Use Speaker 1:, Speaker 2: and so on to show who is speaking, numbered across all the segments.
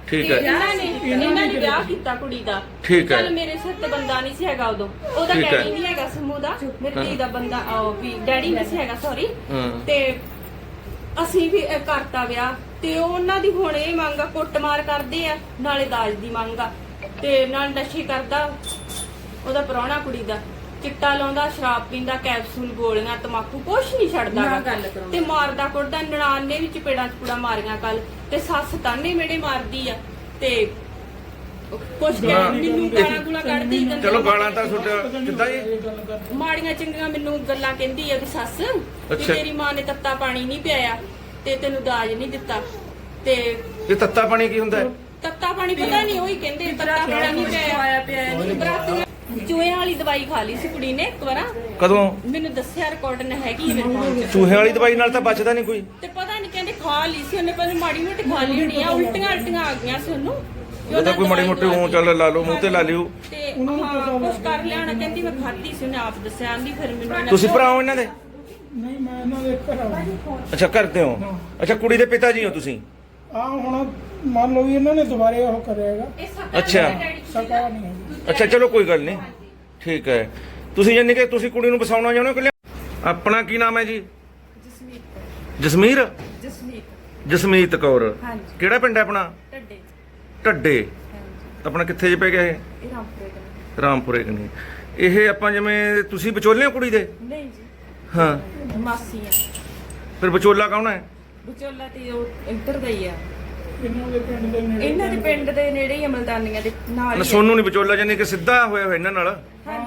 Speaker 1: ਠੀਕ ਹੈ।
Speaker 2: ਇਹਨਾਂ ਨੇ ਵਿਆਹ ਕੀਤਾ ਕੁੜੀ ਦਾ।
Speaker 1: ਠੀਕ ਹੈ।
Speaker 2: ਚੱਲ ਮੇਰੇ ਸਿਰ ਤੇ ਬੰਦਾ ਨਹੀਂ ਸੀ ਹੈਗਾ ਉਦੋਂ, ਉਹਦਾ
Speaker 1: ਠੀਕ ਹੈ।
Speaker 2: ਡੈਡੀ ਨਹੀਂ ਹੈਗਾ ਸਮੂਹ ਦਾ, ਮੇਰੇ ਧੀ ਦਾ ਬੰਦਾ ਵੀ ਡੈਡੀ ਨਹੀਂ ਸੀ ਹੈਗਾ, ਸੌਰੀ। ਤੇ ਅਸੀਂ ਵੀ ਕਰਤਾ ਵਿਆਹ, ਤੇ ਉਹਨਾਂ ਦੀ ਹੁਣ ਇਹ ਮੰਗ ਆ, ਕੁੱਟਮਾਰ ਕਰਦੇ ਆ, ਨਾਲੇ ਦਾਜ ਦੀ ਮੰਗ ਆ, ਤੇ ਨਾਲ ਨਸ਼ੇ ਕਰਦਾ ਉਹਦਾ ਪ੍ਰਾਹੁਣਾ ਕੁੜੀ ਦਾ, ਚਿੱਟਾ ਲਾਉਂਦਾ, ਸ਼ਰਾਬ ਪੀਂਦਾ, ਕੈਪਸੂਲ, ਗੋਲੀਆਂ, ਤਮਾਕੂ, ਕੁਛ ਨਹੀਂ ਛੱਡਦਾ ਤੇ ਮਾਰਦਾ ਕੁੱਟਦਾ। ਨਨਾਣ ਨੇ ਵੀ ਚਪੇੜਾਂ ਚਪੂੜਾ ਮਾਰੀਆਂ ਕੱਲ, ਤੇ ਸੱਸ ਤਾਨੇ ਮੇੜੇ ਮਾਰਦੀ ਆ, ਤੇ ਕੁਛ ਮੈਨੂੰ ਗਾਲਾਂ ਗੁਲਾਂ ਕੱਢਦੀ।
Speaker 1: ਚਲੋ ਗਾਲਾਂ ਤਾਂ ਤੁਹਾਡਾ ਕਿੱਦਾਂ ਜੀ?
Speaker 2: ਮਾੜੀਆਂ ਚੰਗੀਆਂ ਮੈਨੂੰ ਗੱਲਾਂ ਕਹਿੰਦੀ ਆ ਉਹਦੀ ਸੱਸ ਕਿ ਤੇਰੀ ਮਾਂ ਨੇ ਤੱਤਾ ਪਾਣੀ ਨਹੀਂ ਪਿਆਇਆ ਤੇ ਤੈਨੂੰ ਦਾਜ ਨਹੀਂ ਦਿੱਤਾ। ਤੇ
Speaker 1: ਇਹ ਤੱਤਾ ਪਾਣੀ ਕੀ ਹੁੰਦਾ ਹੈ?
Speaker 2: ਤੱਤਾ ਪਾਣੀ ਪਤਾ ਨਹੀਂ, ਉਹੀ ਕਹਿੰਦੇ ਤੱਤਾ ਪਾਣੀ ਨਹੀਂ ਪਿਆਇਆ। ਚੂਹਿਆਂ ਵਾਲੀ ਦਵਾਈ ਖਾ ਲਈ ਸੀ ਕੁੜੀ ਨੇ ਇੱਕ ਵਾਰ।
Speaker 1: ਕਦੋਂ?
Speaker 2: ਮੈਨੂੰ ਦੱਸਿਆ, ਰਿਕਾਰਡ ਨਾ ਹੈਗੀ ਮੇਰੇ ਕੋਲ।
Speaker 1: ਚੂਹੇ ਵਾਲੀ ਦਵਾਈ ਨਾਲ ਤਾਂ ਬਚਦਾ ਨਹੀਂ ਕੋਈ।
Speaker 2: ਤੇ ਪਤਾ ਨਹੀਂ ਕਹਿੰਦੇ ਖਾ ਲਈ ਸੀ ਉਹਨੇ, ਪਰ ਮਾੜੀ ਮੋਟੀ ਖਾ ਲਈ ਹੋਣੀ ਆ, ਉਲਟੀਆਂ ਆ ਗਈਆਂ ਸੀ ਉਹਨੂੰ।
Speaker 1: ਉਹਦਾ ਕੋਈ ਮਾੜੀ ਮੋਟੀ ਉਹ ਚੱਲ ਲਾ ਲਓ, ਮੂੰਹ ਤੇ ਲਾ ਲਿਓ।
Speaker 2: ਤੇ ਹਾਂ ਕੁਛ ਕਰ ਲਿਆਣਾ, ਕਹਿੰਦੀ ਮੈਂ ਖਾਧੀ ਸੀ, ਉਹਨੇ ਆਪ ਦੱਸਿਆ। ਆਂਦੀ ਫਿਰ ਮੈਨੂੰ
Speaker 1: ਤੁਸੀਂ ਭਰਾ ਹੋ ਇਹਨਾਂ ਦੇ?
Speaker 3: ਨਹੀਂ, ਮੈਂ ਇਹਨਾਂ ਦੇ ਘਰ ਆਉਂਦਾ।
Speaker 1: ਅੱਛਾ, ਕਰਦੇ ਹੋ। ਅੱਛਾ, ਕੁੜੀ ਦੇ ਪਿਤਾ ਜੀ ਹੋ ਤੁਸੀਂ?
Speaker 3: ਹੁਣ ਮੰਨ ਲਓ ਵੀ ਇਹਨਾਂ ਨੇ ਦੁਬਾਰੇ ਉਹ ਕਰਿਆਗਾ।
Speaker 1: ਅੱਛਾ
Speaker 3: ਸਕਾ ਨਹੀਂ ਹੈਗੀ।
Speaker 1: ਅੱਛਾ, ਚਲੋ ਕੋਈ ਗੱਲ ਨਹੀਂ, ਠੀਕ ਹੈ। ਤੁਸੀਂ ਜਾਨੀ ਕਿ ਤੁਸੀਂ ਕੁੜੀ ਨੂੰ ਵਸਾਉਣਾ ਚਾਹੁੰਦੇ ਹੋ ਕਿ? ਆਪਣਾ ਕੀ ਨਾਮ ਹੈ ਜੀ? ਜਸਮੀਰ। ਜਸਮੀਤ ਕੌਰ। ਕਿਹੜਾ ਪਿੰਡ ਹੈ ਆਪਣਾ? ਢੱਡੇ। ਆਪਣਾ ਕਿੱਥੇ ਜੇ ਪੈ ਗਿਆ ਇਹ? ਰਾਮਪੁਰੇ ਕਨੀ। ਇਹ ਆਪਾਂ ਜਿਵੇਂ ਤੁਸੀਂ ਵਿਚੋਲੇ ਹੋ ਕੁੜੀ ਦੇ?
Speaker 2: ਨਹੀਂ ਜੀ,
Speaker 1: ਹਾਂ
Speaker 2: ਮਾਸੀ ਆ।
Speaker 1: ਫਿਰ ਵਿਚੋਲਾ ਕੌਣ ਹੈ?
Speaker 2: ਵਿਚੋਲਾ ਤੇ ਉਹ ਇੱਧਰ ਦਾ ਹੀ ਆ,
Speaker 3: ਇਹਨਾਂ ਦੇ ਪਿੰਡ ਦੇ ਨੇੜੇ।
Speaker 2: ਇਹਨਾਂ ਦੇ ਪਿੰਡ ਦੇ ਨੇੜੇ ਹੀ, ਅਮਲਦਾਨੀਆਂ ਦੇ ਨਾਲ ਹੀ।
Speaker 1: ਸੋਨੂੰ ਨਹੀਂ ਵਿਚੋਲਾ, ਜਾਨੀ ਕਿ ਸਿੱਧਾ ਹੋਇਆ ਹੋਇਆ ਇਹਨਾਂ ਨਾਲ?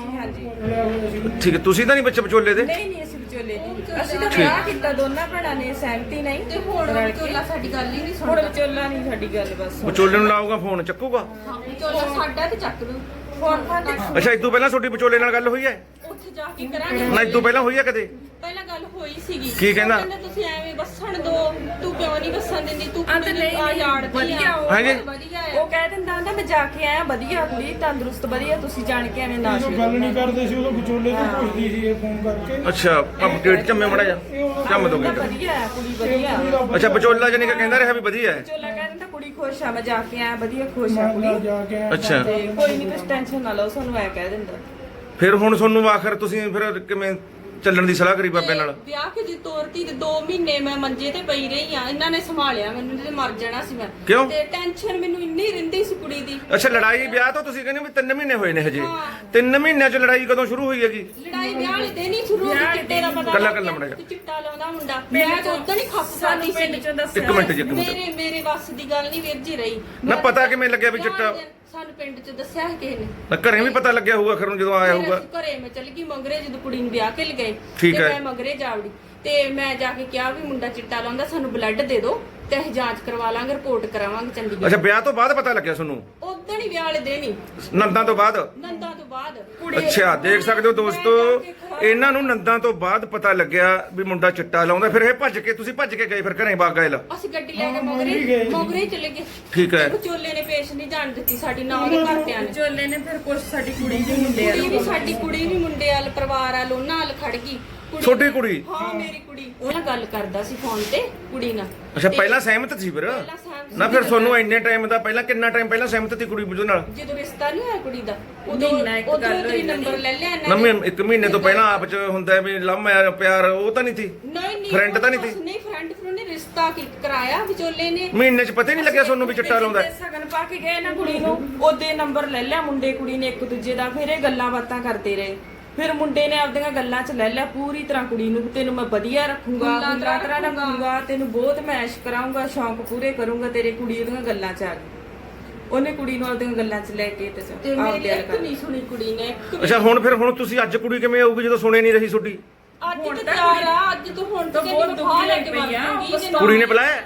Speaker 2: ਹਾਂਜੀ।
Speaker 1: ਠੀਕ ਹੈ। ਤੁਸੀਂ ਤਾਂ ਨਹੀਂ ਬੱਚੇ ਵਿਚੋਲੇ ਦੇ?
Speaker 2: ਨਹੀਂ, ਅਸੀਂ ਵਿਚੋਲੇ ਨਹੀਂ। ਅਸੀਂ ਤਾਂ ਵਿਆਹ ਕੀਤਾ ਦੋਨਾਂ ਭੈਣਾਂ ਨੇ, ਸਹਿਮਤੀ ਨਹੀਂ। ਤੇ ਹੁਣ ਵਿਚੋਲਾ ਸਾਡੀ ਗੱਲ ਹੀ ਨਹੀਂ ਸੁਣਦਾ। ਹੁਣ ਵਿਚੋਲਾ ਨਹੀਂ ਸਾਡੀ ਗੱਲ, ਬਸ।
Speaker 1: ਵਿਚੋਲੇ ਨੂੰ ਲਾਊਗਾ ਫੋਨ, ਚੱਕੂਗਾ?
Speaker 2: ਵਿਚੋਲਾ ਸਾਡਾ ਤੇ ਚੱਕ ਦੂ ਫੋਨ।
Speaker 1: ਅੱਛਾ, ਇਸ ਤੋਂ ਪਹਿਲਾਂ ਤੁਹਾਡੀ ਵਿਚੋਲੇ ਨਾਲ ਗੱਲ ਹੋਈ ਹੈ?
Speaker 2: ਉੱਥੇ ਜਾ ਕੇ ਕਰਾਂਗੇ।
Speaker 1: ਨਾ, ਇਸ ਤੋਂ ਪਹਿਲਾਂ ਹੋਈ ਹੈ ਕਦੇ?
Speaker 2: ਪਹਿਲਾਂ ਗੱਲ ਹੋਈ ਸੀਗੀ।
Speaker 1: ਕੀ ਕਹਿੰਦਾ?
Speaker 2: ਤੁਸੀਂ ਐਵੇਂ ਵਸਣ ਦੋ, ਤੂੰ ਕਿਉਂ ਨਹੀਂ ਵਸਣ ਦਿੰਦੀ, ਤੂੰ ਆ ਯਾਰ ਵਧੀਆ
Speaker 1: ਹਾਂਜੀ।
Speaker 2: ਉਹ ਕਹਿ ਦਿੰਦਾ ਹੁੰਦਾ ਮੈਂ ਜਾ ਕੇ ਆਇਆ, ਵਧੀਆ ਕੁੜੀ, ਤੰਦਰੁਸਤ, ਵਧੀਆ, ਤੁਸੀਂ ਜਾਣ ਕੇ ਐਵੇਂ ਨਾ
Speaker 3: ਜਦੋਂ ਗੱਲ ਨਹੀਂ ਕਰਦੇ ਸੀ ਉਦੋਂ ਵਿਚੋਲੇ ਤੋਂ ਪੁੱਛਦੀ ਸੀ ਇਹ ਫੋਨ ਕਰਕੇ।
Speaker 1: ਅੱਛਾ, ਅਪਡੇਟ ਝੰਮੇ ਮੜਾ ਜਾ ਝੰਮ ਦੋਗੇ।
Speaker 2: ਵਧੀਆ ਹੈ ਕੁੜੀ, ਵਧੀਆ।
Speaker 1: ਅੱਛਾ, ਵਿਚੋਲਾ ਜਾਨੀ ਕਿ ਕਹਿੰਦਾ ਰਿਹਾ ਵੀ ਵਧੀਆ ਹੈ?
Speaker 2: ਵਿਚੋਲਾ ਕਹਿ ਦਿੰਦਾ ਕੁੜੀ ਖੁਸ਼ ਆ, ਮੈਂ ਜਾ ਕੇ ਆਇਆ, ਵਧੀਆ, ਖੁਸ਼ ਆ ਕੁੜੀ।
Speaker 3: ਜਾ ਕੇ
Speaker 1: ਅੱਛਾ,
Speaker 2: ਤੇ ਕੋਈ ਨਹੀਂ, ਕੁਛ ਟੈਨਸ਼ਨ ਨਾ ਲਓ, ਸਾਨੂੰ ਐ ਕਹਿ ਦਿੰਦਾ।
Speaker 1: ਫਿਰ ਹੁਣ ਤੁਹਾਨੂੰ ਆਖਰ ਤੁਸੀਂ ਫਿਰ ਕਿਵੇਂ ਚੱਲਣ ਦੀ ਸਲਾਹ ਕਰੀ ਬਾਬੇ ਨਾਲ?
Speaker 2: ਵਿਆਹ ਕੇ ਜੀ ਤੋਰਤੀ ਤੇ 2 ਮਹੀਨੇ ਮੈਂ ਮੰਜੇ ਤੇ ਪਈ ਰਹੀ ਆ, ਇਹਨਾਂ ਨੇ ਸੰਭਾਲਿਆ ਮੈਨੂੰ, ਤੇ ਮਰ ਜਾਣਾ ਸੀ ਮੈਂ।
Speaker 1: ਕਿਉਂ?
Speaker 2: ਤੇ ਟੈਨਸ਼ਨ ਮੈਨੂੰ ਇੰਨੀ ਰਹਿੰਦੀ ਸੀ ਕੁੜੀ ਦੀ।
Speaker 1: ਅੱਛਾ, ਲੜਾਈ ਵਿਆਹ ਤੋਂ ਤੁਸੀਂ ਕਹਿੰਦੇ ਵੀ 3 ਮਹੀਨੇ ਹੋਏ ਨੇ ਹਜੇ? 3 ਮਹੀਨਿਆਂ 'ਚ ਲੜਾਈ ਕਦੋਂ ਸ਼ੁਰੂ ਹੋਈ ਹੈਗੀ?
Speaker 2: ਲੜਾਈ ਵਿਆਹ ਵਾਲੇ ਦਿਨ ਹੀ ਸ਼ੁਰੂ ਹੋ ਗਈ। ਚਿੱਟੇ ਦਾ ਪਤਾ
Speaker 1: ਕੱਲਾ ਮੜਾ ਜਾ।
Speaker 2: ਚਿੱਟਾ ਲਾਉਂਦਾ ਮੁੰਡਾ, ਮੈਂ ਤਾਂ ਉਦੋਂ ਹੀ ਖੱਪ ਸਾਨੀ ਪਿੰਡ ਚੋਂ ਦੱਸਿਆ।
Speaker 1: ਇੱਕ ਮਿੰਟ ਜੀ, ਇੱਕ ਮਿੰਟ।
Speaker 2: ਮੇਰੇ ਵੱਸ ਦੀ ਗੱਲ ਨਹੀਂ ਵੀਰ ਜੀ ਰਹੀ।
Speaker 1: ਨਾ ਪਤਾ ਕਿਵੇਂ ਲੱਗਿਆ ਵੀ ਚਿੱਟਾ?
Speaker 2: ਸਾਨੂੰ ਪਿੰਡ ਚ ਦੱਸਿਆ ਹੈ ਕਿਸੇ ਨੇ।
Speaker 1: ਨਾ ਘਰੇ ਵੀ ਪਤਾ ਲੱਗਿਆ ਹੋਊਗਾ ਖਰ ਨੂੰ ਜਦੋਂ ਆਇਆ ਹੋਊਗਾ?
Speaker 2: ਘਰੇ ਮੈਂ ਚੱਲ ਗਈ ਮੰਗਰੇ, ਜਦੋਂ ਕੁੜੀ ਨੂੰ ਵਿਆਹ ਕੇ ਲਗਾਏ
Speaker 1: ਠੀਕ ਹੈ।
Speaker 2: ਮੈਂ ਮੰਗਰੇ ਜਾਵੜੀ, ਤੇ ਮੈਂ ਜਾ ਕੇ ਕਿਹਾ ਵੀ ਮੁੰਡਾ ਚਿੱਟਾ ਲਾਉਂਦਾ, ਸਾਨੂੰ ਬਲੱਡ ਦੇ ਦਿਓ ਤੇ ਅਸੀਂ ਜਾਂਚ ਕਰਵਾ ਲਾਂਗੇ, ਰਿਪੋਰਟ ਕਰਾਵਾਂਗੇ ਚੰਡੀਗੜ੍ਹ।
Speaker 1: ਅੱਛਾ, ਵਿਆਹ ਤੋਂ ਬਾਅਦ ਪਤਾ ਲੱਗਿਆ ਤੁਹਾਨੂੰ?
Speaker 2: ਉਦੋਂ ਹੀ ਵਿਆਹ ਵਾਲੇ ਦਿਨ ਹੀ,
Speaker 1: ਨੰਦਾਂ ਤੋਂ ਬਾਅਦ?
Speaker 2: ਨੰਦਾਂ ਤੋਂ ਬਾਅਦ।
Speaker 1: ਅੱਛਾ, ਦੇਖ ਸਕਦੇ ਹੋ ਦੋਸਤੋ, ਇਹਨਾਂ ਨੂੰ ਨੰਦਾਂ ਤੋਂ ਬਾਅਦ ਪਤਾ ਲੱਗਿਆ ਵੀ ਮੁੰਡਾ ਚਿੱਟਾ ਲਾਉਂਦਾ। ਫਿਰ ਇਹ ਭੱਜ ਕੇ, ਤੁਸੀਂ ਭੱਜ ਕੇ ਗਏ ਫਿਰ ਘਰੇ ਬਾਗ ਗਏ?
Speaker 2: ਅਸੀਂ ਗੱਡੀ ਲੈ ਕੇ ਮੋਗਰੇ ਚਲੇ ਗਏ।
Speaker 1: ਠੀਕ ਹੈ।
Speaker 2: ਵਿਚੋਲੇ ਨੇ ਪੇਸ਼ ਨਹੀਂ ਜਾਣ ਦਿੱਤੀ ਸਾਡੀ, ਨਾ ਉਹਦੇ ਘਰਦਿਆਂ ਨੇ। ਵਿਚੋਲੇ ਨੇ ਫਿਰ ਕੁਛ ਸਾਡੀ ਕੁੜੀ ਵੀ ਮੁੰਡੇ ਵਾਲ, ਸਾਡੀ ਕੁੜੀ ਵੀ ਮੁੰਡੇ ਵਾਲ, ਪਰਿਵਾਰ ਵਾਲ, ਉਹਨਾਂ ਨਾਲ ਖੜ ਗਈ।
Speaker 1: ਛੋਟੀ ਕੁੜੀ?
Speaker 2: ਹਾਂ, ਮੇਰੀ ਕੁੜੀ। ਉਹ ਨਾਲ ਗੱਲ ਕਰਦਾ ਸੀ ਫੋਨ ਤੇ ਕੁੜੀ ਨਾਲ।
Speaker 1: ਅੱਛਾ, ਪਹਿਲਾਂ ਸਹਿਮਤ ਸੀ ਫਿਰ? ਨਾ ਫਿਰ ਤੁਹਾਨੂੰ ਇੰਨੇ ਟਾਈਮ ਦਾ ਪਹਿਲਾਂ ਕਿੰਨਾ ਟਾਈਮ ਪਹਿਲਾਂ ਸਹਿਮਤ ਸੀ ਕੁੜੀ ਬੁੱਝ ਨਾਲ?
Speaker 2: ਜਦੋਂ ਰਿਸ਼ਤਾ ਨਹੀਂ ਹੋਇਆ ਕੁੜੀ ਦਾ, ਉਦੋਂ ਹੀ ਨੰਬਰ ਲੈ ਲਿਆ
Speaker 1: ਨਾ। 1 ਮਹੀਨੇ ਤੋਂ ਪਹਿਲਾਂ ਆਪ ਚ ਹੁੰਦਾ ਵੀ ਲਵ ਮੈਰਿਜ, ਪਿਆਰ, ਉਹ ਤਾਂ ਨਹੀਂ ਸੀ?
Speaker 2: ਨਹੀਂ,
Speaker 1: ਫਰੈਂਡ ਤਾਂ ਨਹੀਂ ਸੀ?
Speaker 2: ਨਹੀਂ, ਫਰੈਂਡ ਨੇ ਰਿਸ਼ਤਾ ਕਰਾਇਆ ਵਿਚੋਲੇ ਨੇ।
Speaker 1: ਮਹੀਨੇ ਚ ਪਤਾ ਹੀ ਨਹੀਂ ਲੱਗਿਆ ਤੁਹਾਨੂੰ ਵੀ ਚਿੱਟਾ ਲਾਉਂਦਾ?
Speaker 2: ਸਗਨ ਪਾ ਕੇ ਗਏ ਨਾ ਕੁੜੀ ਨੂੰ, ਉਹਦੇ ਨੰਬਰ ਲੈ ਲਿਆ ਮੁੰਡੇ ਕੁੜੀ ਨੇ ਇੱਕ ਦੂਜੇ ਦਾ। ਫਿਰ ਇਹ ਗੱਲਾਂ ਬਾਤਾਂ ਕਰਦੇ ਰਹੇ। ਫਿਰ ਮੁੰਡੇ ਨੇ ਆਪਦੀਆਂ ਗੱਲਾਂ 'ਚ ਲੈ ਲਿਆ ਪੂਰੀ ਤਰ੍ਹਾਂ ਕੁੜੀ ਨੂੰ, ਤੈਨੂੰ ਮੈਂ ਵਧੀਆ ਰੱਖੂੰਗਾ, ਤਰ੍ਹਾਂ ਰੱਖੂੰਗਾ, ਤੈਨੂੰ ਬਹੁਤ ਮੈਸ਼ ਕਰਾਉਂਗਾ, ਸ਼ੌਂਕ ਪੂਰੇ ਕਰੂੰਗਾ ਤੇਰੇ। ਕੁੜੀ ਉਹਦੀਆਂ ਗੱਲਾਂ 'ਚ ਆ ਗਈ, ਉਹਨੇ ਕੁੜੀ ਨੂੰ ਆਪਦੀਆਂ ਗੱਲਾਂ 'ਚ ਲੈ ਕੇ ਤੇ ਮੇਰੀ ਇੱਕ ਨਹੀਂ ਸੁਣੀ ਕੁੜੀ ਨੇ।
Speaker 1: ਅੱਛਾ, ਹੁਣ ਤੁਸੀਂ ਅੱਜ ਕੁੜੀ ਕਿਵੇਂ ਆਊਗੀ ਜਦੋਂ ਸੁਣੇ ਨਹੀਂ ਰਹੀ ਤੁਹਾਡੀ?
Speaker 2: ਅੱਜ ਤੇ ਤਿਆਰ ਆ, ਅੱਜ ਤੋਂ ਹੁਣ ਤਾਂ ਬਹੁਤ ਦੁੱਖ ਲੈ ਕੇ ਪਈ।
Speaker 1: ਕੁੜੀ ਨੇ ਬੁਲਾਇਆ?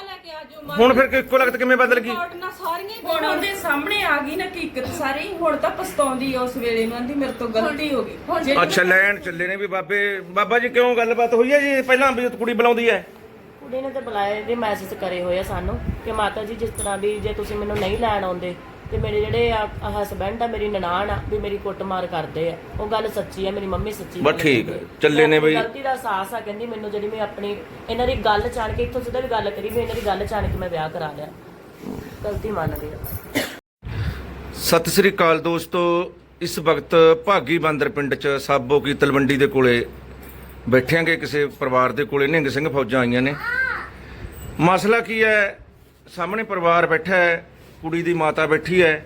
Speaker 1: ਹੁਣ ਫਿਰ ਇੱਕੋ ਲਗਤ ਕਿਵੇਂ ਬਦਲ ਗਈ?
Speaker 2: ਹੁਣ ਉਹਦੇ ਸਾਹਮਣੇ ਆ ਗਈ ਨਾ ਹਕੀਕਤ ਸਾਰੀ। ਹੁਣ ਤਾਂ ਪਛਤਾਉਂਦੀ ਉਸ ਵੇਲੇ ਨੂੰ, ਆਂਦੀ ਮੇਰੇ ਤੋਂ ਗਲਤੀ ਹੋ ਗਈ।
Speaker 1: ਅੱਛਾ, ਲੈਣ ਚੱਲੇ ਨੇ ਵੀ ਬਾਬਾ ਜੀ, ਕਿਉਂ ਗੱਲਬਾਤ ਹੋਈ ਹੈ ਜੀ ਪਹਿਲਾਂ ਵੀ ਕੁੜੀ ਬੁਲਾਉਂਦੀ ਹੈ?
Speaker 4: ਕੁੜੀ ਨੇ ਤਾਂ ਬੁਲਾਏ ਦੇ ਮੈਸੇਜ ਕਰੇ ਹੋਏ ਆ ਸਾਨੂੰ ਕਿ ਮਾਤਾ ਜੀ ਜਿਸ ਤਰ੍ਹਾਂ ਵੀ ਜੇ ਤੁਸੀਂ ਮੈਨੂੰ ਨਹੀਂ ਲੈਣ ਆਉਂਦੇ ਤੇ ਮੇਰੇ ਜਿਹੜੇ ਹਸਬੈਂਡ ਆ, ਮੇਰੀ ਨਨਾਣ ਆ, ਵੀ ਮੇਰੀ ਕੁੱਟਮਾਰ ਕਰਦੇ ਆ। ਉਹ ਗੱਲ ਸੱਚੀ ਆ, ਮੇਰੀ ਮੰਮੀ ਸੱਚੀ।
Speaker 1: ਬਸ ਠੀਕ ਹੈ, ਚੱਲੇ ਨੇ ਬਈ।
Speaker 4: ਗਲਤੀ ਦਾ ਅਹਿਸਾਸ ਆ, ਕਹਿੰਦੀ ਮੈਨੂੰ ਜਿਹੜੀ ਮੈਂ ਆਪਣੀ ਇਹਨਾਂ ਦੀ ਗੱਲ ਜਾਣ ਕੇ, ਇੱਥੋਂ ਸਿੱਧਾ ਵੀ ਗੱਲ ਕਰੀ ਵੀ ਇਹਨਾਂ ਦੀ ਗੱਲ ਜਾਣ ਕੇ ਮੈਂ ਵਿਆਹ ਕਰਾ ਲਿਆ। ਗਲਤੀ ਮੰਨਦੀ ਆ।
Speaker 1: ਸਤਿ ਸ੍ਰੀ ਅਕਾਲ ਦੋਸਤੋ, ਇਸ ਵਕਤ ਭਾਗੀ ਬਾਂਦਰ ਪਿੰਡ 'ਚ ਸਾਬੋ ਕੀ ਤਲਵੰਡੀ ਦੇ ਕੋਲੇ ਬੈਠਿਆਂਗੇ। ਕਿਸੇ ਪਰਿਵਾਰ ਦੇ ਕੋਲੇ ਨਿਹੰਗ ਸਿੰਘ ਫੌਜਾਂ ਆਈਆਂ ਨੇ। ਮਸਲਾ ਕੀ ਹੈ? ਸਾਹਮਣੇ ਪਰਿਵਾਰ ਬੈਠਾ ਹੈ, ਕੁੜੀ ਦੀ ਮਾਤਾ ਬੈਠੀ ਹੈ,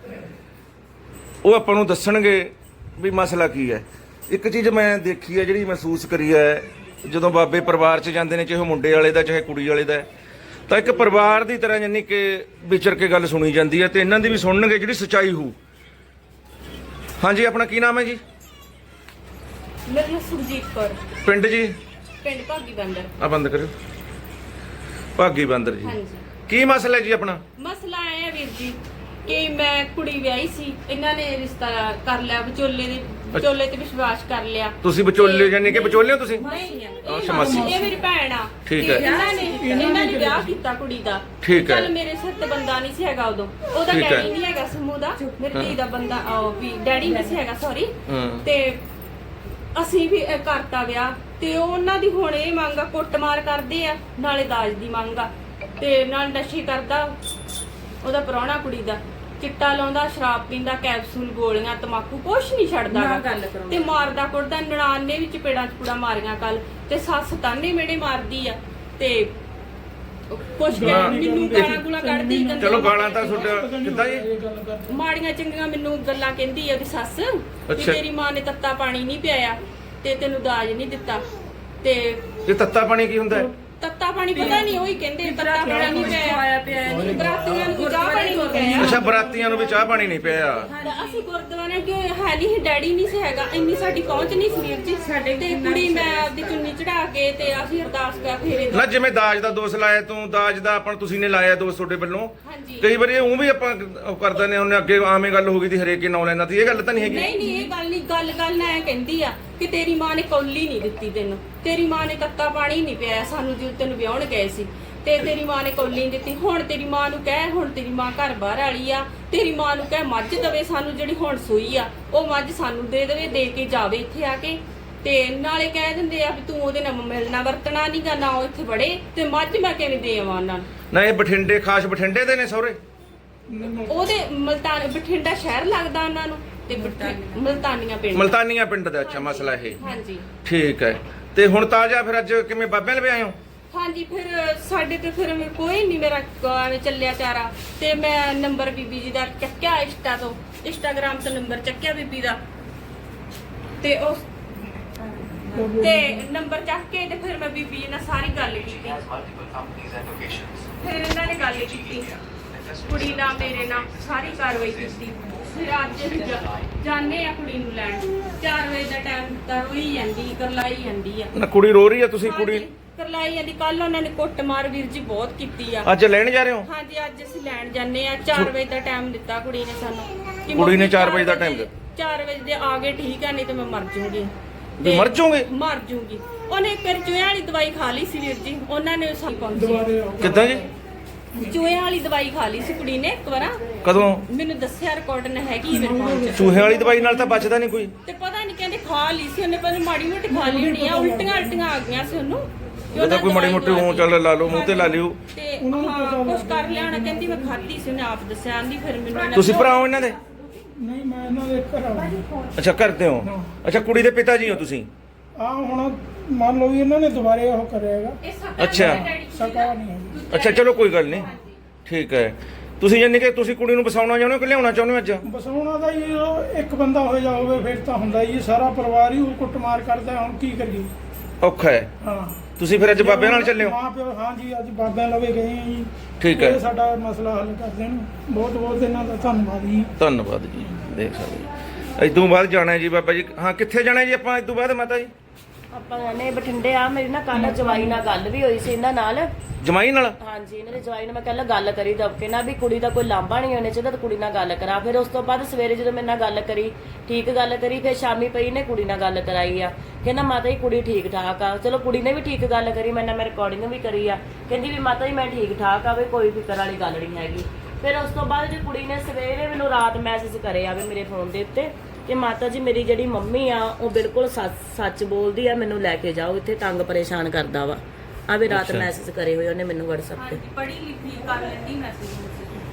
Speaker 1: ਉਹ ਆਪਾਂ ਨੂੰ ਦੱਸਣਗੇ ਵੀ ਮਸਲਾ ਕੀ ਹੈ। ਇੱਕ ਚੀਜ਼ ਮੈਂ ਦੇਖੀ ਹੈ, ਜਿਹੜੀ ਮਹਿਸੂਸ ਕਰੀ ਹੈ, ਜਦੋਂ ਬਾਬੇ ਪਰਿਵਾਰ 'ਚ ਜਾਂਦੇ ਨੇ, ਚਾਹੇ ਮੁੰਡੇ ਵਾਲੇ ਦਾ ਚਾਹੇ ਕੁੜੀ ਵਾਲੇ ਦਾ, ਤਾਂ ਇੱਕ ਪਰਿਵਾਰ ਦੀ ਤਰ੍ਹਾਂ ਯਾਨੀ ਕਿ ਵਿਚਰ ਕੇ ਗੱਲ ਸੁਣੀ ਜਾਂਦੀ ਹੈ, ਤੇ ਇਹਨਾਂ ਦੀ ਵੀ ਸੁਣਨਗੇ ਜਿਹੜੀ ਸੱਚਾਈ ਹੋਊ। ਹਾਂਜੀ, ਆਪਣਾ ਕੀ ਨਾਮ ਹੈ ਜੀ?
Speaker 2: ਮੇਰਾ ਨਾਮ ਸੁਰਜੀਤ ਕੌਰ,
Speaker 1: ਪਿੰਡ ਜੀ?
Speaker 2: ਪਿੰਡ ਭਾਗੀ ਬੰਦਰ।
Speaker 1: ਆ ਬੰਦ ਕਰਿਓ। ਭਾਗੀ ਬਾਂਦਰ ਜੀ,
Speaker 2: ਹਾਂਜੀ,
Speaker 1: ਕੀ ਮਸਲਾ ਹੈ ਜੀ ਆਪਣਾ?
Speaker 2: ਮਸਲਾ ਇਹ ਹੈ ਵੀਰ ਜੀ ਕਿ ਮੈਂ ਕੁੜੀ ਵਿਆਹੀ ਸੀ, ਇਹਨਾਂ ਨੇ ਰਿਸ਼ਤਾ ਕਰ ਲਿਆ, ਵਿਚੋਲੇ ਤੇ ਵਿਸ਼ਵਾਸ ਕਰ ਲਿਆ।
Speaker 1: ਤੁਸੀਂ ਵਿਚੋਲੇ ਯਾਨੀ ਕਿ ਵਿਚੋਲੇ ਹੋ ਤੁਸੀਂ?
Speaker 2: ਨਹੀਂ,
Speaker 1: ਅੱਛਾ, ਮਾਸੀ।
Speaker 2: ਇਹ ਮੇਰੀ ਭੈਣ ਆ।
Speaker 1: ਠੀਕ
Speaker 2: ਤੇ
Speaker 1: ਹੈ।
Speaker 2: ਇਹਨਾਂ ਨੇ ਵਿਆਹ ਕੀਤਾ ਕੁੜੀ ਦਾ।
Speaker 1: ਠੀਕ ਹੈ।
Speaker 2: ਚੱਲ ਮੇਰੇ ਸਿਰ ਤੇ ਬੰਦਾ ਨਹੀਂ ਸੀ ਹੈਗਾ ਉਦੋਂ, ਉਹਦਾ
Speaker 1: ਠੀਕ ਹੈ।
Speaker 2: ਡੈਡੀ ਨਹੀਂ ਹੈਗਾ ਸਮੂਹ ਦਾ, ਮੇਰੀ ਧੀ ਦਾ ਬੰਦਾ ਵੀ ਡੈਡੀ ਨਹੀਂ ਸੀ ਹੈਗਾ, ਸੌਰੀ। ਤੇ ਅਸੀਂ ਵੀ ਕਰਤਾ ਵਿਆਹ, ਤੇ ਉਹਨਾਂ ਦੀ ਹੁਣ ਇਹ ਮੰਗ ਆ, ਕੁੱਟਮਾਰ ਕਰਦੇ ਆ, ਨਾਲੇ ਦਾਜ ਦੀ ਮੰਗ ਆ, ਤੇ ਨਾਲ ਨਸ਼ੇ ਕਰਦਾ ਉਹਦਾ ਪ੍ਰਾਹੁਣਾ ਕੁੜੀ ਦਾ, ਚਿੱਟਾ ਲਾਉਂਦਾ, ਸ਼ਰਾਬ ਪੀਂਦਾ, ਕੈਪਸੂਲ, ਗੋਲੀਆਂ, ਤਮਾਕੂ, ਕੁਛ ਨਹੀਂ ਛੱਡਦਾ ਤੇ ਮਾਰਦਾ ਕੁੱਟਦਾ। ਨਨਾਣ ਨੇ ਵੀ ਚਪੇੜਾਂ ਚਪੂੜਾਂ ਮਾਰੀਆਂ ਕੱਲ, ਤੇ ਸੱਸ ਤਾਨੇ ਮੇੜੇ ਮਾਰਦੀ ਆ, ਤੇ ਕੁਛ ਮੈਨੂੰ ਗਾਲਾਂ ਗੁਲਾਂ ਕੱਢਦੀ।
Speaker 1: ਚਲੋ ਗਾਲਾਂ ਤਾਂ ਤੁਹਾਡਾ ਕਿੱਦਾਂ ਜੀ?
Speaker 2: ਮਾੜੀਆਂ ਚੰਗੀਆਂ ਮੈਨੂੰ ਗੱਲਾਂ ਕਹਿੰਦੀ ਆ ਉਹਦੀ ਸੱਸ ਕਿ
Speaker 1: ਅੱਛਾ।
Speaker 2: ਤੇਰੀ ਮਾਂ ਨੇ ਤੱਤਾ ਪਾਣੀ ਨਹੀਂ ਪਿਆਇਆ ਤੇ ਤੈਨੂੰ ਦਾਜ ਨਹੀਂ ਦਿੱਤਾ। ਤੇ
Speaker 1: ਇਹ ਤੱਤਾ ਪਾਣੀ ਕੀ ਹੁੰਦਾ ਹੈ?
Speaker 2: ਤੱਤਾ ਪਾਣੀ ਪਤਾ ਨਹੀਂ, ਉਹੀ ਕਹਿੰਦੇ ਤੱਤਾ ਪਾਣੀ ਨਹੀਂ ਪਿਆਇਆ, ਬਰਾਤੀਆਂ ਨੂੰ ਚਾਹ ਪਾਣੀ ਨਹੀਂ ਪਿਆਇਆ।
Speaker 1: ਅੱਛਾ, ਬਰਾਤੀਆਂ ਨੂੰ ਵੀ ਚਾਹ ਪਾਣੀ ਨਹੀਂ ਪਿਆ।
Speaker 2: ਅਸੀਂ ਗੁਰਦੁਆਰੇ ਕਿ ਹੈ ਨਹੀਂ, ਡੈਡੀ ਨਹੀਂ ਸੀ ਹੈਗਾ, ਇੰਨੀ ਸਾਡੀ ਪਹੁੰਚ ਨਹੀਂ ਸੀ ਵੀਰ ਜੀ ਸਾਡੇ। ਤੇ ਕੁੜੀ ਮੈਂ ਆਪਦੀ ਚੁੰਨੀ ਚੜਾ ਕੇ ਤੇ ਅਸੀਂ ਅਰਦਾਸ ਕਰ ਫੇਰੇ
Speaker 1: ਨਾ, ਜਿਵੇਂ ਦਾਜ ਦਾ ਦੋਸ਼ ਲਾਇਆ ਤੂੰ, ਦਾਜ ਦਾ ਆਪਾਂ ਤੁਸੀਂ ਨੇ ਲਾਇਆ ਦੋਸ਼ ਤੁਹਾਡੇ ਵੱਲੋਂ।
Speaker 2: ਹਾਂਜੀ।
Speaker 1: ਕਈ ਵਾਰੀ ਉਹ ਵੀ ਆਪਾਂ ਉਹ ਕਰ ਦਿੰਦੇ ਹਾਂ, ਉਹਨੇ ਅੱਗੇ ਆਵੇਂ ਗੱਲ ਹੋ ਗਈ ਦੀ ਹਰੇਕ ਹੀ ਨਾਂ ਲੈਂਦਾ, ਤੇ ਇਹ ਗੱਲ ਤਾਂ ਨਹੀਂ ਹੈਗੀ।
Speaker 2: ਨਹੀਂ, ਇਹ ਗੱਲ ਨਹੀਂ, ਗੱਲ ਨਾ ਇਹ ਕਹਿੰਦੀ ਆ ਕਿ ਤੇਰੀ ਮਾਂ ਨੇ ਕੌਲੀ ਨਹੀਂ ਦਿੱਤੀ ਤੈਨੂੰ, ਤੇਰੀ ਮਾਂ ਨੇ ਤੱਤਾ ਪਾਣੀ ਨਹੀਂ ਪਿਆਇਆ ਸਾਨੂੰ ਜਦੋਂ ਤੈਨੂੰ ਵਿਆਹਣ ਗਏ ਸੀ, ਤੇ ਤੇਰੀ ਮਾਂ ਨੇ ਕੌਲੀ ਨਹੀਂ ਦਿੱਤੀ। ਹੁਣ ਤੇਰੀ ਮਾਂ ਨੂੰ ਕਹਿ, ਹੁਣ ਤੇਰੀ ਮਾਂ ਘਰ ਬਾਹਰ ਵਾਲੀ ਆ, ਤੇਰੀ ਮਾਂ ਨੂੰ ਕਹਿ ਮੱਝ ਦਵੇ ਸਾਨੂੰ, ਜਿਹੜੀ ਹੁਣ ਸੂਈ ਆ ਉਹ ਮੱਝ ਸਾਨੂੰ ਦੇ ਦੇਵੇ, ਦੇ ਕੇ ਜਾਵੇ ਇੱਥੇ ਆ ਕੇ। ਤੇ ਨਾਲੇ ਕਹਿ ਦਿੰਦੇ ਆ ਵੀ ਤੂੰ ਉਹਦੇ ਨਾਲ ਮਿਲਣਾ ਵਰਤਣਾ ਨਹੀਂਗਾ, ਨਾ ਉਹ ਇੱਥੇ ਵੜੇ, ਤੇ ਮੱਝ ਮੈਂ ਕਿਵੇਂ ਦੇ ਆਵਾਂ ਉਹਨਾਂ ਨੂੰ।
Speaker 1: ਨਾ, ਇਹ ਬਠਿੰਡੇ, ਖਾਸ ਬਠਿੰਡੇ ਦੇ ਨੇ ਸਹੁਰੇ?
Speaker 2: ਉਹਦੇ ਬਠਿੰਡਾ ਸ਼ਹਿਰ ਲੱਗਦਾ ਉਹਨਾਂ ਨੂੰ, ਤੇ ਮਲਤਾਨੀਆਂ ਪਿੰਡ।
Speaker 1: ਮਲਤਾਨੀਆਂ ਪਿੰਡ ਦਾ? ਅੱਛਾ, ਮਸਲਾ ਇਹ।
Speaker 2: ਹਾਂਜੀ,
Speaker 1: ਠੀਕ ਹੈ। ਤੇ ਹੁਣ ਤਾਜ਼ਾ ਫਿਰ ਅੱਜ ਕਿਵੇਂ ਬਾਬਿਆਂ ਲਵੇ ਆਏ ਹੋ?
Speaker 2: ਹਾਂਜੀ। ਫਿਰ ਸਾਡੇ ਤੇ ਫਿਰ ਕੋਈ ਨਹੀਂ, ਮੇਰਾ ਐਵੇਂ ਚੱਲਿਆ ਚਾਰਾ, ਤੇ ਮੈਂ ਨੰਬਰ ਬੀਬੀ ਜੀ ਦਾ ਚੱਕਿਆ, ਇੰਸਟਾਗ੍ਰਾਮ ਤੋਂ ਨੰਬਰ ਚੱਕਿਆ ਬੀਬੀ ਦਾ, ਤੇ ਉਸ ਤੇ ਨੰਬਰ ਚੱਕ ਕੇ ਤੇ ਫਿਰ ਮੈਂ ਬੀਬੀ ਜੀ ਨਾਲ ਸਾਰੀ ਗੱਲ ਕੀਤੀ। ਫਿਰ ਇਹਨਾਂ ਨੇ ਗੱਲ ਕੀਤੀ, ਕੁੜੀ ਨਾਲ ਮੇਰੇ ਨਾਲ ਸਾਰੀ ਕਾਰਵਾਈ ਕੀਤੀ। ਫਿਰ ਅੱਜ ਅਸੀਂ ਜਾਣੇ ਆ ਕੁੜੀ ਨੂੰ ਲੈਣ, 4 ਵਜੇ ਦਾ ਟਾਈਮ ਤਾਂ ਰੋਈ ਜਾਂਦੀ, ਕਰਲਾਈ ਜਾਂਦੀ ਆ।
Speaker 1: ਨਾ, ਕੁੜੀ ਰੋ ਰਹੀ ਆ? ਤੁਸੀਂ ਕੁੜੀ
Speaker 2: ਕਰਲਾਈ ਜਾਂਦੀ। ਕੱਲ ਉਹਨਾਂ ਨੇ ਕੁੱਟਮਾਰ ਵੀਰ ਜੀ ਬਹੁਤ ਕੀਤੀ ਆ।
Speaker 1: ਅੱਜ ਲੈਣ ਜਾ ਰਹੇ ਹੋ?
Speaker 2: ਹਾਂਜੀ, ਅੱਜ ਅਸੀਂ ਲੈਣ ਜਾਂਦੇ ਆ। 4 ਵਜੇ ਦਾ ਟਾਈਮ ਦਿੱਤਾ ਕੁੜੀ ਨੇ ਸਾਨੂੰ, ਕਿ
Speaker 1: ਕੁੜੀ ਨੇ
Speaker 2: ਮੰਮੀ
Speaker 1: 4 ਵਜੇ ਦਾ ਟਾਈਮ ਦਿੱਤਾ?
Speaker 2: 4 ਵਜੇ ਦੇ ਆ ਗਏ ਠੀਕ ਆ, ਨਹੀਂ ਤੇ ਮੈਂ ਮਰ ਜੂੰਗੀ।
Speaker 1: ਵੀ ਮਰ ਜਾਓਗੇ?
Speaker 2: ਮਰ ਜੂੰਗੀ। ਉਹਨੇ ਇੱਕ ਚੂਹਿਆਂ ਵਾਲੀ ਦਵਾਈ ਖਾ ਲਈ ਸੀ ਵੀਰ ਜੀ, ਉਹਨਾਂ ਨੇ ਸਾਨੂੰ
Speaker 1: ਕਿੱਦਾਂ ਜੀ?
Speaker 2: ਚੂਹਿਆਂ ਵਾਲੀ ਦਵਾਈ ਖਾ ਲਈ ਸੀ ਕੁੜੀ ਨੇ ਇੱਕ ਵਾਰ।
Speaker 1: ਕਦੋਂ?
Speaker 2: ਮੈਨੂੰ ਦੱਸਿਆ, ਰਿਕਾਰਡ ਨੇ ਹੈਗੀ ਮੇਰੇ ਫੋਨ 'ਚ।
Speaker 1: ਚੂਹੇ ਵਾਲੀ ਦਵਾਈ ਨਾਲ ਤਾਂ ਬਚਦਾ ਨਹੀਂ ਕੋਈ।
Speaker 2: ਤੇ ਪਤਾ ਨਹੀਂ, ਕਹਿੰਦੇ ਖਾ ਲਈ ਸੀ ਉਹਨੇ, ਪਰ ਮਾੜੀ ਮੋਟੀ ਖਾ ਲਈ ਹੋਣੀ ਆ, ਉਲਟੀਆਂ ਆ ਗਈਆਂ ਸੀ ਉਹਨੂੰ।
Speaker 1: ਇਹ ਤਾਂ ਕੋਈ ਮਾੜੀ ਮੋਟੀ ਉਹ ਚੱਲ ਲਾ ਲਓ, ਮੂੰਹ ਤੇ ਲਾ ਲਿਓ।
Speaker 2: ਤੇ ਹਾਂ, ਕੁਛ ਕਰ ਲਿਆ ਹੋਣਾ, ਕਹਿੰਦੀ ਮੈਂ ਖਾਧੀ ਸੀ, ਉਹਨੇ ਆਪ ਦੱਸਿਆ। ਆਂਦੀ ਫਿਰ ਮੈਨੂੰ
Speaker 1: ਤੁਸੀਂ ਭਰਾ ਹੋ ਇਹਨਾਂ ਦੇ?
Speaker 3: ਨਹੀਂ, ਮੈਂ ਇਹਨਾਂ ਦੇ ਘਰ ਆਉਂਦਾ।
Speaker 1: ਅੱਛਾ, ਕਰਦੇ ਹੋ? ਅੱਛਾ, ਕੁੜੀ ਦੇ ਪਿਤਾ ਜੀ ਹੋ ਤੁਸੀਂ?
Speaker 3: ਆ ਹੁਣ ਮੰਨ ਲਓ ਵੀ ਇਹਨਾਂ ਨੇ ਦੁਬਾਰੇ ਉਹ ਕਰਿਆ ਹੈਗਾ,
Speaker 1: ਅੱਛਾ।
Speaker 3: ਸਕਾ ਨਹੀਂ ਹੈਗੀ।
Speaker 1: ਅੱਛਾ, ਚਲੋ ਕੋਈ ਗੱਲ ਨਹੀਂ, ਠੀਕ ਹੈ। ਤੁਸੀਂ ਯਾਨੀ ਕਿ ਤੁਸੀਂ ਕੁੜੀ ਨੂੰ ਵਸਾਉਣਾ ਚਾਹੁੰਦੇ ਹੋ ਕਿ ਲਿਆਉਣਾ ਚਾਹੁੰਦੇ ਹੋ ਅੱਜ?
Speaker 3: ਬਸਾਉਣਾ ਦਾ ਹੀ ਇੱਕ ਬੰਦਾ ਹੋ ਜਾਵੇ ਫਿਰ ਤਾਂ ਹੁੰਦਾ ਹੀ, ਸਾਰਾ ਪਰਿਵਾਰ ਹੀ ਉਹ ਕੁੱਟਮਾਰ ਕਰਦਾ, ਹੁਣ ਕੀ ਕਰੀਏ?
Speaker 1: ਔਖਾ ਹੈ।
Speaker 3: ਹਾਂ,
Speaker 1: ਤੁਸੀਂ ਫਿਰ ਅੱਜ ਬਾਬਿਆਂ ਨਾਲ ਚੱਲੇ ਹੋ?
Speaker 3: ਮਾਂ ਪਿਓ, ਹਾਂ ਜੀ, ਅੱਜ ਬਾਬਿਆਂ ਲਵੇ ਗਏ ਆ ਜੀ।
Speaker 1: ਠੀਕ ਹੈ।
Speaker 3: ਇਹ ਸਾਡਾ ਮਸਲਾ ਹੱਲ ਕਰ ਦੇਣ, ਬਹੁਤ ਬਹੁਤ ਇਹਨਾਂ ਦਾ ਧੰਨਵਾਦ ਜੀ।
Speaker 1: ਧੰਨਵਾਦ ਜੀ। ਦੇਖ ਸਕਦੇ ਇਸ ਤੋਂ ਬਾਅਦ ਜਾਣਾ ਹੈ ਜੀ ਬਾਬਾ ਜੀ। ਹਾਂ, ਕਿੱਥੇ ਜਾਣਾ ਹੈ ਜੀ ਆਪਾਂ ਇਸ ਤੋਂ ਬਾਅਦ ਮਾਤਾ ਜੀ?
Speaker 4: ਆਪਾਂ ਜਾਣੇ ਬਠਿੰਡੇ ਆ। ਮੇਰੀ ਨਾ ਕੱਲ ਜਵਾਈ ਨਾਲ ਗੱਲ ਵੀ ਹੋਈ ਸੀ ਇਹਨਾਂ ਨਾਲ।
Speaker 1: ਜਮਾਈ ਨਾਲ?
Speaker 4: ਹਾਂਜੀ, ਇਹਨਾਂ ਦੇ ਜਵਾਈ ਨਾਲ ਮੈਂ ਕੱਲ ਗੱਲ ਕਰੀ ਦਬਕੇ ਨਾਲ ਵੀ ਕੁੜੀ ਦਾ ਕੋਈ ਲਾਂਭਾ ਨਹੀਂ ਹੋਣੇ ਚਾਹੀਦਾ, ਤਾਂ ਕੁੜੀ ਨਾਲ ਗੱਲ ਕਰਾ। ਫਿਰ ਉਸ ਤੋਂ ਬਾਅਦ ਸਵੇਰੇ ਜਦੋਂ ਮੇਰੇ ਨਾਲ ਗੱਲ ਕਰੀ, ਠੀਕ ਗੱਲ ਕਰੀ, ਫਿਰ ਸ਼ਾਮੀ ਪਈ ਨੇ ਕੁੜੀ ਨਾਲ ਗੱਲ ਕਰਾਈ ਆ। ਕਹਿੰਦਾ ਮਾਤਾ ਜੀ ਕੁੜੀ ਠੀਕ ਠਾਕ ਆ। ਚਲੋ ਕੁੜੀ ਨੇ ਵੀ ਠੀਕ ਗੱਲ ਕਰੀ, ਮੈਂ ਰਿਕਾਰਡਿੰਗ ਵੀ ਕਰੀ ਆ। ਕਹਿੰਦੀ ਵੀ ਮਾਤਾ ਜੀ ਮੈਂ ਠੀਕ ਠਾਕ ਆ, ਵੀ ਕੋਈ ਫਿਕਰ ਵਾਲੀ ਗੱਲ ਨਹੀਂ ਹੈਗੀ। ਫਿਰ ਉਸ ਤੋਂ ਬਾਅਦ ਜੇ ਕੁੜੀ ਨੇ ਸਵੇਰੇ ਮੈਨੂੰ ਰਾਤ ਮੈਸੇਜ ਕਰਿਆ ਵੀ ਮੇਰੇ ਫੋਨ ਦੇ ਉੱਤੇ ਕਿ ਮਾਤਾ ਜੀ ਮੇਰੀ ਜਿਹੜੀ ਮੰਮੀ ਆ ਉਹ ਬਿਲਕੁਲ ਸੱਚ ਬੋਲਦੀ ਆ, ਮੈਨੂੰ ਲੈ ਕੇ ਜਾਓ, ਇੱਥੇ ਤੰਗ ਪਰੇਸ਼ਾਨ ਕਰਦਾ ਵਾ। ਆ ਵੀ ਰਾਤ ਮੈਸੇਜ ਕਰੇ ਹੋਏ ਉਹਨੇ ਮੈਨੂੰ WhatsApp ਤੇ।
Speaker 2: ਪੜ੍ਹੀ ਲਿਖੀ ਕਰ ਲੈਂਦੀ ਮੈਸੇਜ।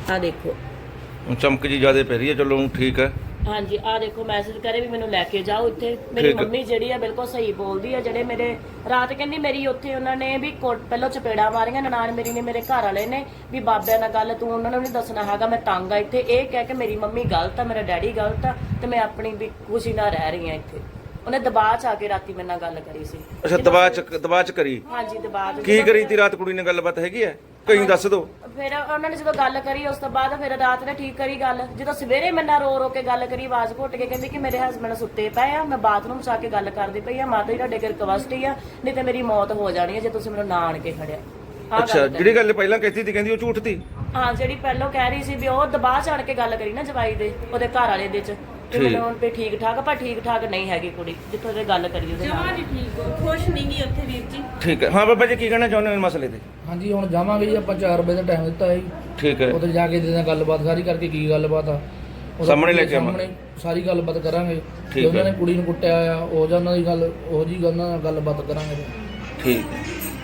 Speaker 4: ਆ ਦੇਖੋ।
Speaker 1: ਚਮਕ ਜੀ ਜ਼ਿਆਦਾ ਪੈ ਰਹੀ ਹੈ, ਚਲੋ ਠੀਕ ਹੈ।
Speaker 4: ਹਾਂਜੀ ਆ ਦੇਖੋ ਮੈਸੇਜ ਕਰੇ ਵੀ ਮੈਨੂੰ ਲੈ ਕੇ ਜਾਓ ਇੱਥੇ। ਮੇਰੀ
Speaker 1: ਠੀਕ।
Speaker 4: ਮੰਮੀ ਜਿਹੜੀ ਆ ਬਿਲਕੁਲ ਸਹੀ ਬੋਲਦੀ ਆ। ਜਿਹੜੇ ਮੇਰੇ ਰਾਤ ਕਹਿੰਦੀ ਮੇਰੀ ਉੱਥੇ ਉਹਨਾਂ ਨੇ ਵੀ ਪਹਿਲਾਂ ਚਪੇੜਾ ਮਾਰੀਆਂ, ਨਨਾਣ ਮੇਰੀ ਨੇ, ਮੇਰੇ ਘਰ ਵਾਲੇ ਨੇ ਵੀ ਬਾਬਿਆਂ ਨਾਲ ਗੱਲ ਤੂੰ ਉਹਨਾਂ ਨੂੰ ਨਹੀਂ ਦੱਸਣਾ ਹੈਗਾ, ਮੈਂ ਤੰਗ ਆ ਇੱਥੇ। ਇਹ ਕਹਿ ਕੇ ਮੇਰੀ ਮੰਮੀ ਗਲਤ ਆ, ਮੇਰਾ ਡੈਡੀ ਗਲਤ ਆ ਤੇ ਮੈਂ ਆਪਣੀ ਵੀ ਖੁਸ਼ੀ ਨਾਲ ਰਹਿ ਰਹੀ ਆ ਇੱਥੇ। ਉਹਨੇ ਦਬਾਅ ਚ ਆ ਕੇ ਰਾਤੀ ਮੇਰੇ ਨਾਲ ਗੱਲ ਕਰੀ ਸੀ।
Speaker 1: ਅੱਛਾ, ਦਬਾਅ ਚ ਕਰੀ?
Speaker 4: ਹਾਂਜੀ ਦਬਾਅ ਚ।
Speaker 1: ਕੀ ਕਰੀ ਤੀ ਰਾਤ ਕੁੜੀ ਨੇ? ਗੱਲਬਾਤ ਹੈਗੀ ਹੈ, ਕहीं ਦੱਸ ਦੋ।
Speaker 4: ਫਿਰ ਉਹਨਾਂ ਨੇ ਜਦੋਂ ਗੱਲ ਕਰੀ ਉਸ ਤੋਂ ਬਾਅਦ ਫਿਰ ਰਾਤ ਨੇ ਠੀਕ ਕਰੀ ਗੱਲ। ਜਦੋਂ ਸਵੇਰੇ ਮੇਰੇ ਨਾਲ ਰੋ ਕੇ ਗੱਲ ਕਰੀ, ਆਵਾਜ਼ ਘੁੱਟ ਕੇ ਕਹਿੰਦੀ ਕਿ ਮੇਰੇ ਹਸਬੰਡ ਸੁੱਤੇ ਪਏ ਆ, ਮੈਂ ਬਾਥਰੂਮ ਚ ਆ ਕੇ ਗੱਲ ਕਰਦੀ ਪਈ ਆ, ਮਾਤਾ ਜੀ ਤੁਹਾਡੇ ਕੋਲ ਰਿਕਵੈਸਟ ਹੀ ਆ, ਨਹੀਂ ਤੇ ਮੇਰੀ ਮੌਤ ਹੋ ਜਾਣੀ ਹੈ ਜੇ ਤੁਸੀਂ ਮੈਨੂੰ ਨਾ ਆਣ ਕੇ ਖੜਿਆ।
Speaker 1: ਅੱਛਾ, ਜਿਹੜੀ ਗੱਲ ਪਹਿਲਾਂ ਕਹਿਤੀ ਸੀ ਕਹਿੰਦੀ ਉਹ ਝੂਠ ਸੀ?
Speaker 4: ਹਾਂ, ਜਿਹੜੀ ਪਹਿਲਾਂ ਕਹਿ ਰਹੀ ਸੀ ਵੀ ਉਹ ਦਬਾਅ ਚ ਆਣ ਕੇ ਗੱਲ ਕਰੀ ਨਾ ਜਵਾਈ ਦੇ, ਉਹਦੇ ਘਰ ਵਾਲੇ ਦੇ ਚ ਤੇ ਮੈਨੂੰ ਹੁਣ ਤੇ ਠੀਕ ਠਾਕ, ਪਰ ਠੀਕ ਠਾਕ ਨਹੀਂ ਹੈਗੀ ਕੁੜੀ ਜਿੱਥੋਂ ਉਹਦੇ ਗੱਲ ਕਰੀ ਉਹਦੇ ਨਾਲ।
Speaker 2: ਜਮਾਂ ਨਹੀਂ ਠੀਕ, ਖੁਸ਼ ਨਹੀਂ ਗਈ ਉੱਥੇ ਵੀਰ ਜੀ।
Speaker 1: ਠੀਕ ਹੈ। ਹਾਂ ਬਾਬਾ ਜੀ, ਕੀ ਕਹਿਣਾ ਚਾਹੁੰਦੇ ਹੋ ਇਸ ਮਸਲੇ ਤੇ?
Speaker 5: ਹਾਂਜੀ, ਹੁਣ ਜਾਵਾਂਗੇ ਜੀ ਆਪਾਂ 4 ਵਜੇ ਦਾ ਟਾਈਮ ਦਿੱਤਾ ਹੈ ਜੀ।
Speaker 1: ਠੀਕ ਹੈ।
Speaker 5: ਉੱਥੇ ਜਾ ਕੇ ਜਿਹਦੇ ਨਾਲ ਗੱਲਬਾਤ ਸਾਰੀ ਕਰਕੇ ਕੀ ਗੱਲਬਾਤ ਆ ਉਹ
Speaker 1: ਸਾਹਮਣੇ ਲੈ ਕੇ ਆਵਾਂਗੇ।
Speaker 5: ਸਾਹਮਣੇ ਸਾਰੀ ਗੱਲਬਾਤ ਕਰਾਂਗੇ।
Speaker 1: ਠੀਕ
Speaker 5: ਜੇ ਉਹਨਾਂ
Speaker 1: ਹੈ।
Speaker 5: ਨੇ ਕੁੜੀ ਨੂੰ ਕੁੱਟਿਆ ਆ ਉਹ ਜਾਂ ਉਹਨਾਂ ਦੀ ਗੱਲ ਉਹ ਜੀ ਗੱਲ ਨਾਲ ਗੱਲਬਾਤ ਕਰਾਂਗੇ।
Speaker 1: ਠੀਕ।